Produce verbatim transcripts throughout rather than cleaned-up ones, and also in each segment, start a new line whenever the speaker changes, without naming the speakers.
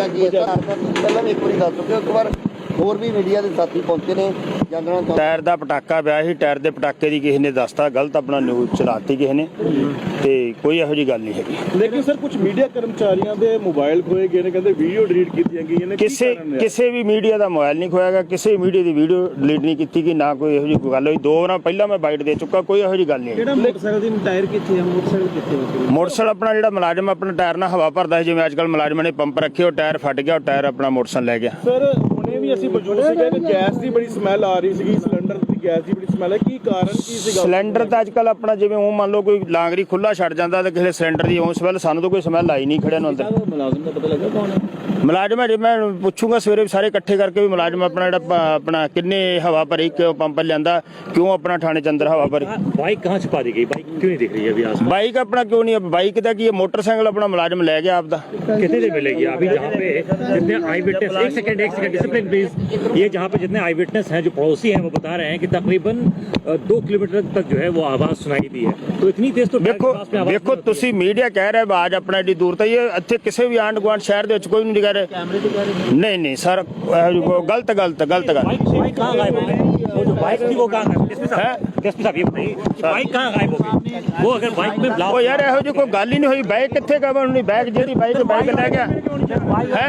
ਜਾਂ ਕੀ ਪਹਿਲਾਂ ਵੀ ਇੱਕ ਵਾਰੀ ਦੱਸ ਚੁੱਕੇ ਇੱਕ ਵਾਰ ਹੋਰ ਵੀ ਮੀਡੀਆ ਦੇ ਸਾਥੀ ਪਹੁੰਚੇ ਨੇ ਜਾਣਨਾ ਚਾਹੁੰਦੇ।
ਟਾਇਰ ਦਾ ਪਟਾਕਾ ਪਿਆ ਸੀ, ਟਾਇਰ ਦੇ ਪਟਾਕੇ ਦੀ ਕਿਸੇ ਨੇ ਦੱਸਤਾ ਗਲਤ ਆਪਣਾ ਨਿਊਜ਼ ਚਲਾਤੀ ਕਿਸੇ ਨੇ, ਤੇ ਕੋਈ ਇਹੋ ਜਿਹੀ ਗੱਲ ਨਹੀਂ ਹੈਗੀ।
ਲੇਕਿਨ ਸਰ ਕੁਝ ਮੀਡੀਆ ਕਰਮਚਾਰੀਆਂ ਦੇ ਮੋਬਾਈਲ ਖੋਏ ਗਏ ਨੇ, ਕਹਿੰਦੇ ਵੀਡੀਓ ਡਿਲੀਟ ਕੀਤੀਆਂ ਗਈਆਂ ਨੇ।
ਕਿਸੇ ਕਿਸੇ ਵੀ ਮੀਡੀਆ ਦਾ ਮੋਬਾਈਲ ਨਹੀਂ ਖੋਇਆ ਗਿਆ, ਕਿਸੇ ਮੀਡੀਆ ਦੀ ਵੀਡੀਓ ਡਿਲੀਟ ਨਹੀਂ ਕੀਤੀ ਗਈ, ਨਾ ਕੋਈ ਇਹੋ ਜਿਹੀ ਗੱਲ ਹੋਈ। ਦੋ ਵਾਰ ਪਹਿਲਾਂ ਮੈਂ ਬਾਈਟ ਦੇ ਚੁੱਕਾ, ਕੋਈ ਇਹੋ ਜਿਹੀ ਗੱਲ ਨਹੀਂ।
ਜਿਹੜਾ ਮੋਟਰਸਾਈਕਲ ਦੀ ਟਾਇਰ ਕਿੱਥੇ ਹੈ? ਮੋਟਰਸਾਈਕਲ ਕਿੱਥੇ ਹੈ?
ਮੋਟਰਸਾਈਕਲ ਆਪਣਾ ਜਿਹੜਾ ਮੁਲਾਜ਼ਮ ਆਪਣਾ ਟਾਇਰ ਨਾਲ ਹਵਾ ਭਰਦਾ ਹੈ, ਜਿਵੇਂ ਅੱਜ ਕੱਲ੍ਹ ਮੁਲਾਜ਼ਮਾਂ ਨੇ ਪੰਪ ਰੱਖੇ, ਉਹ ਟਾਇਰ ਫਟ ਗਿਆ, ਉਹ ਟਾਇਰ ਆਪਣਾ ਮੋਟਰਸਾਈਕਲ ਲੈ ਗਿਆ।
ਸਰ ਹੁਣੇ ਵੀ ਅਸੀਂ ਮੌਜੂਦ ਸੀਗੇ ਕਿ ਗੈਸ ਦੀ ਬੜੀ ਸਮੈਲ ਆ ਰਹੀ ਸੀਗੀ, ਸਿਲੰਡਰ ਦੀ ਗੈਸ ਦੀ ਬੜੀ ਸਮੈਲ ਹੈ, ਕੀ ਕਾਰਨ ਕੀ ਸੀਗਾ?
ਸਿਲੰਡਰ ਤਾਂ ਅੱਜ ਕੱਲ੍ਹ ਆਪਣਾ ਜਿਵੇਂ ਉਹ ਮੰਨ ਲਓ ਕੋਈ ਲਾਂਗਰੀ ਖੁੱਲਾ ਛੱਡ ਜਾਂਦਾ ਤੇ ਕਿਸੇ ਸਿਲੰਡਰ ਦੀ ਉਹ ਸਮੈਲ, ਸਾਨੂੰ ਤਾਂ ਕੋਈ ਸਮੈਲ ਆਈ ਨਹੀਂ ਖੜਿਆਂ ਨੂੰ ਅੰਦਰ।
ਮੁਲਾਜ਼ਮ ਦਾ ਪਤਾ ਲੱਗਾ ਕੌਣ ਹੈ?
ਮੁਲਾਜ਼ਮ ਜੇ ਮੈਂ ਪੁੱਛੂੰਗਾ ਸਵੇਰੇ ਸਾਰੇ ਇਕੱਠੇ ਕਰਕੇ ਵੀ ਮੁਲਾਜ਼ਮ ਆਪਣਾ ਜਿਹੜਾ ਆਪਣਾ ਕਿੰਨੇ ਹਵਾ ਭਰੀ, ਕਿਉਂ ਪੰਪ ਲਿਆਂਦਾ, ਕਿਉਂ ਆਪਣਾ ਥਾਣੇ ਚ ਅੰਦਰ ਹਵਾ ਭਰੀ।
बाइक कहाँ छुपा दी गई? बाइक क्यों नहीं दिख रही है अभी आसपास?
बाइक अपना क्यों नहीं, बाइक का की मोटरसाइकिल अपना मुलाजिम ले गया आपदा।
कितनी देर मिलेगी अभी जहाँ पे जितने आई विटनेस, एक सेकंड एक सेकंड डिसिप्लिन प्लीज, ये जहाँ पे जितने आई विटनेस हैं जो पड़ोसी हैं वो बता रहे हैं कि तकरीबन दो किलोमीटर तक जो है वो आवाज सुनाई दी है, तो इतनी तेज तो
देखो देखो ਤੁਸੀਂ ਮੀਡੀਆ ਕਹਿ ਰਿਹਾ ਆਵਾਜ਼ ਆਪਣਾ ਏਡੀ ਦੂਰ ਤੱਕ, ਇਹ ਇੱਥੇ ਕਿਸੇ ਵੀ ਆਂਢ ਗੁਆਂਢ ਸ਼ਹਿਰ ਦੇ ਵਿੱਚ ਕੋਈ ਨਹੀਂ ਕਹਿ ਰਿਹਾ। नहीं नहीं सर, गलत गलत गलत गल।
बाइक कहाँ गायब हो गई? वो जो बाइक थी वो कहाँ गायब? एसपी साहब ये बताइए, बाइक कहाँ गायब हो गई? वो अगर बाइक में ब्लास्ट,
ओ यार ਇਹੋ ਜਿਹੀ ਕੋਈ ਗੱਲ ਹੀ ਨਹੀਂ ਹੋਈ। ਬਾਈਕ ਕਿੱਥੇ ਗਵਾ ਨਹੀਂ, ਬਾਈਕ ਜਿਹੜੀ ਬਾਈਕ ਬਾਈਕ ਲੈ ਗਿਆ ਹੈ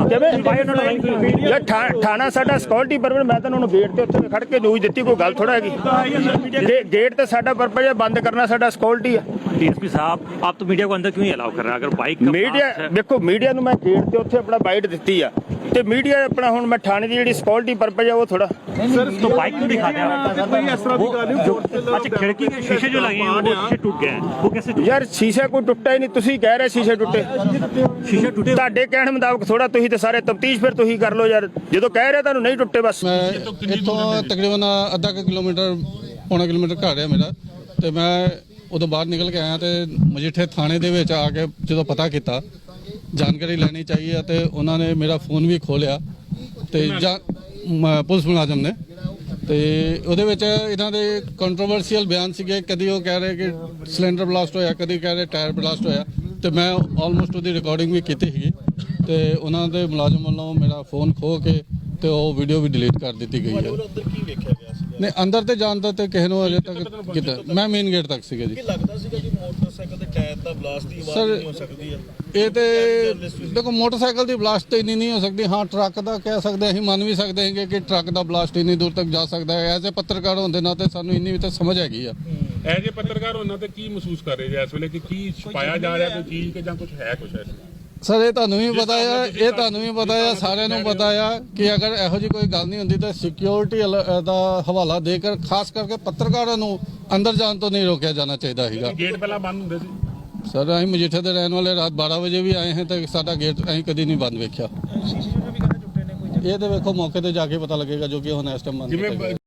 ਕਿਵੇਂ ਯਾਰ। ਥਾਣਾ ਸਾਡਾ ਸਿਕਿਉਰਿਟੀ ਪਰਪਸ, ਮੈਂ ਤਾਂ ਉਹਨੂੰ ਗੇਟ ਤੇ ਉੱਥੇ ਖੜ ਕੇ ਨਿਊਜ਼ ਦਿੱਤੀ, ਕੋਈ ਗੱਲ ਥੋੜਾ ਹੈਗੀ। ਗੇਟ ਤੇ ਸਾਡਾ ਪਰਪਸ ਹੈ ਬੰਦ ਕਰਨਾ, ਸਾਡਾ ਸਿਕਿਉਰਿਟੀ ਹੈ।
एसपी साहब आप तो मीडिया को अंदर क्यों नहीं अलाउ कर रहे हैं? अगर बाइक
मीडिया देखो, मीडिया ਨੂੰ ਮੈਂ ਗੇਟ ਤੇ ਉੱਥੇ ਆਪਣਾ ਬਾਈਟ ਦਿੱਤੀ ਆ, ਤੇ ਮੀਡੀਆ ਆਪਣਾ ਹੁਣ ਮੈਂ ਥਾਣੇ ਦੀ ਜਿਹੜੀ ਸਿਕਿਉਰਿਟੀ ਪਰਪਸ ਹੈ ਉਹ ਥੋੜਾ
सर तो बाइक क्यों दिखाते हैं?
कोई इस तरह की गाली
जो अच्छा खिड़की के शीशे जो लगे हैं वो शीशे टूट गए हैं, वो कैसे?
ਯਾਰ ਸ਼ੀਸ਼ਾ ਕੋਈ ਟੁੱਟਾ ਹੀ ਨਹੀਂ, ਤੁਸੀਂ ਕਹਿ ਰਹੇ ਸ਼ੀਸ਼ੇ ਟੁੱਟੇ।
शीशे टूटे
ਤੁਹਾਡੇ ਕਹਿਣ ਮੁਤਾਬਕ ਥੋੜਾ, ਤੁਸੀਂ ਤੇ ਸਾਰੇ ਤਫਤੀਸ਼ ਫਿਰ ਤੁਸੀਂ ਕਰ ਲਓ ਯਾਰ, ਜਦੋਂ ਕਹਿ ਰਹੇ ਤੁਹਾਨੂੰ ਨਹੀਂ ਟੁੱਟੇ ਬਸ।
ਮੈਂ ਇੱਥੋਂ ਤਕਰੀਬਨ ਅੱਧਾ ਕੁ ਕਿਲੋਮੀਟਰ ਪੌਣਾ ਕਿਲੋਮੀਟਰ ਘਰ ਹੈ ਮੇਰਾ, ਤੇ ਮੈਂ ਉਦੋਂ ਬਾਹਰ ਨਿਕਲ ਕੇ ਆਇਆ ਤੇ ਮਜੀਠੇ ਥਾਣੇ ਦੇ ਵਿੱਚ ਆ ਕੇ ਜਦੋਂ ਪਤਾ ਕੀਤਾ, ਜਾਣਕਾਰੀ ਲੈਣੀ ਚਾਹੀਏ, ਤੇ ਉਹਨਾਂ ਨੇ ਮੇਰਾ ਫੋਨ ਵੀ ਖੋਲਿਆ ਤੇ ਪੁਲਿਸ ਮੁਲਾਜ਼ਮ ਨੇ, ਤੇ ਉਹਦੇ ਵਿੱਚ ਇਹਨਾਂ ਦੇ ਕੰਟਰੋਵਰਸੀਅਲ ਬਿਆਨ ਸੀਗੇ। ਕਦੀ ਉਹ ਕਹਿ ਰਹੇ ਕਿ ਸਿਲੰਡਰ ਬਲਾਸਟ ਹੋਇਆ, ਕਦੀ ਕਹਿ ਰਹੇ ਟਾਇਰ ਬਲਾਸਟ ਹੋਇਆ, ਤੇ ਮੈਂ ਆਲਮੋਸਟ ਉਹਦੀ ਰਿਕਾਰਡਿੰਗ ਵੀ ਕੀਤੀ ਸੀਗੀ, ਤੇ ਉਹਨਾਂ ਦੇ ਮੁਲਾਜ਼ਮ ਵੱਲੋਂ ਮੇਰਾ ਫੋਨ ਖੋਹ ਕੇ ਤੇ ਉਹ ਵੀਡੀਓ ਵੀ ਡਿਲੀਟ ਕਰ ਦਿੱਤੀ ਗਈ ਹੈ। ਨਹੀਂ ਅੰਦਰ ਤੇ ਜਾਣ ਦਾ ਤੇ ਕਿਸੇ ਨੂੰ ਅਜੇ ਤੱਕ ਕੀਤਾ, ਮੈਂ ਮੇਨ ਗੇਟ ਤੱਕ ਸੀਗਾ ਜੀ।
ਲੱਗਦਾ ਸੀਗਾ ਕਿ ਮੋਟਰਸਾਈਕਲ ਦੇ ਟਾਇਰ ਦਾ ਬਲਾਸਟ ਦੀ ਆਵਾਜ਼ ਨਹੀਂ ਹੋ ਸਕਦੀ ਹੈ।
ਇਹ ਤੇ ਦੇਖੋ ਮੋਟਰਸਾਈਕਲ ਦੀ ਬਲਾਸਟ ਤੇ ਇੰਨੀ ਨਹੀਂ ਹੋ ਸਕਦੀ, ਹਾਂ ਟਰੱਕ ਦਾ ਕਹਿ ਸਕਦੇ, ਅਸੀਂ ਮੰਨ ਵੀ ਸਕਦੇ ਹਾਂ ਕਿ ਟਰੱਕ ਦਾ ਬਲਾਸਟ ਇੰਨੀ ਦੂਰ ਤੱਕ ਜਾ ਸਕਦਾ ਹੈ। ਐਜ਼ ਏ ਪੱਤਰਕਾਰ ਹੁੰਦੇ ਨਾ ਤੇ ਸਾਨੂੰ ਇੰਨੀ ਵੀ ਤਾਂ ਸਮਝ ਹੈਗੀ ਆ।
ਐਜ਼ ਏ ਪੱਤਰਕਾਰ ਉਹਨਾਂ ਤੇ ਕੀ ਮਹਿਸੂਸ ਕਰ ਰਹੇ ਜੀ ਇਸ ਵੇਲੇ, ਕਿ ਕੀ ਛੁਪਾਇਆ ਜਾ ਰਿਹਾ ਕੋਈ ਚੀਜ਼ ਕਿ ਜਾਂ ਕੁਝ ਹੈ ਕੁਝ ਹੈ?
ਸਰ ਇਹ ਤੁਹਾਨੂੰ ਵੀ ਪਤਾ ਆ, ਇਹ ਤੁਹਾਨੂੰ ਵੀ ਪਤਾ ਆ, ਸਾਰਿਆਂ ਨੂੰ ਪਤਾ ਆ ਕਿ ਅਗਰ ਇਹੋ ਜਿਹੀ ਕੋਈ ਗੱਲ ਨਹੀਂ ਹੁੰਦੀ ਤਾਂ ਸਿਕਿਉਰਿਟੀ ਦਾ ਹਵਾਲਾ ਦੇ ਕੇ ਖਾਸ ਕਰਕੇ ਪੱਤਰਕਾਰਾਂ ਨੂੰ ਅੰਦਰ ਜਾਣ ਤੋਂ ਨਹੀਂ ਰੋਕਿਆ ਜਾਣਾ ਚਾਹੀਦਾ ਸੀਗਾ।
ਗੇਟ ਪਹਿਲਾਂ ਬੰਦ ਹੁੰਦੇ ਸੀ
ਸਰ ਅਸੀਂ ਮਜੀਠੇ ਦੇ ਰਹਿਣ ਵਾਲੇ, ਰਾਤ ਬਾਰਾਂ ਵਜੇ ਵੀ ਆਏ ਹਾਂ ਤੇ ਸਾਡਾ ਗੇਟ ਅਸੀਂ ਕਦੀ ਨਹੀਂ ਬੰਦ ਵੇਖਿਆ। ਇਹ ਤੇ ਵੇਖੋ ਮੌਕੇ ਤੇ ਜਾ ਕੇ ਪਤਾ ਲੱਗੇਗਾ, ਜੋ ਕਿ ਹੁਣ ਇਸ ਟਾਈਮ ਬੰਦ ਕੀਤਾ ਗਿਆ।